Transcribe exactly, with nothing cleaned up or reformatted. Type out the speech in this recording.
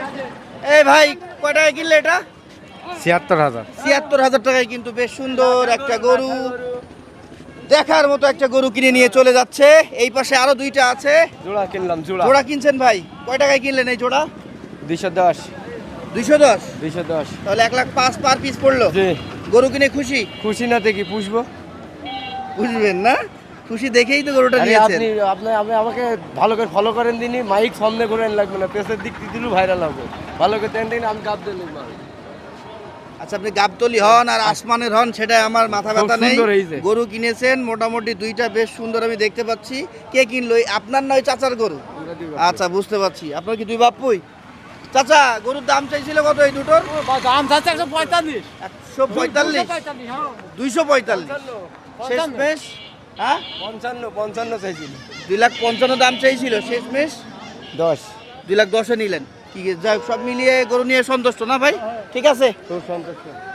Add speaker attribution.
Speaker 1: এই ভাই কয় টাকায় কিনলে এটা?
Speaker 2: ছিয়াত্তর হাজার।
Speaker 1: ছিয়াত্তর হাজার টাকায় কিন্তু বেশ সুন্দর একটা গরু, দেখার মতো একটা গরু কিনে নিয়ে চলে যাচ্ছে। এই পাশে আরো দুইটা আছে।
Speaker 2: জোড়া কিনলাম জোড়া।
Speaker 1: জোড়া কিনছেন ভাই, কয় টাকায় কিনলেন এই জোড়া?
Speaker 2: দুইশো দশ।
Speaker 1: দুইশো দশ?
Speaker 2: দুইশো দশ।
Speaker 1: তাহলে এক লাখ পাঁচ পার পিস পড়লো।
Speaker 2: জি।
Speaker 1: গরু কিনে খুশি?
Speaker 2: খুশি না দেখি পুষবো।
Speaker 1: বুঝবেন না, খুশি দেখেই তো গরুটা
Speaker 2: আরে
Speaker 1: নিয়েছেন।
Speaker 2: আপনি আপনি আপনি আমাকে ভালো করে ফলো করেন দিনই, মাইক সামনে করেন লাগবে না, পেছনের দিক দিয়ে দিলেও ভাইরাল হবে। ভালো করে তেন দিন আমি গাব দিলাম মাল।
Speaker 1: আচ্ছা, আপনি গাবতলি হন আর আসমানের হন সেটা আমার মাথা
Speaker 2: খুব
Speaker 1: ব্যথা নেই।
Speaker 2: সুন্দর হয়েছে।
Speaker 1: গরু কিনেছেন মোটামুটি দুইটা বেশ সুন্দর আমি দেখতে পাচ্ছি। কে কিনলো? এই আপনার নয় চাচার গরু? আচ্ছা, বুঝতে পারছি। আপনার কি দুই বাপুই? চাচা, গরুর দাম চাইছিল কত এই দুটোর?
Speaker 2: দাম যাচ্ছে একশো পঁয়তাল্লিশ।
Speaker 1: একশো পঁয়তাল্লিশ? দুইশো পঁয়তাল্লিশ শেষমেশ? হ্যাঁ,
Speaker 2: পঞ্চান্ন পঞ্চান্ন চাইছিল।
Speaker 1: দুই লাখ পঞ্চান্ন দাম চাইছিল, শেষমেশ
Speaker 2: দশ।
Speaker 1: দুই লাখ দশে নিলেন। কি যাই হোক, সব মিলিয়ে গরু নিয়ে সন্তুষ্ট না ভাই? ঠিক আছে,
Speaker 2: খুব সন্তুষ্ট।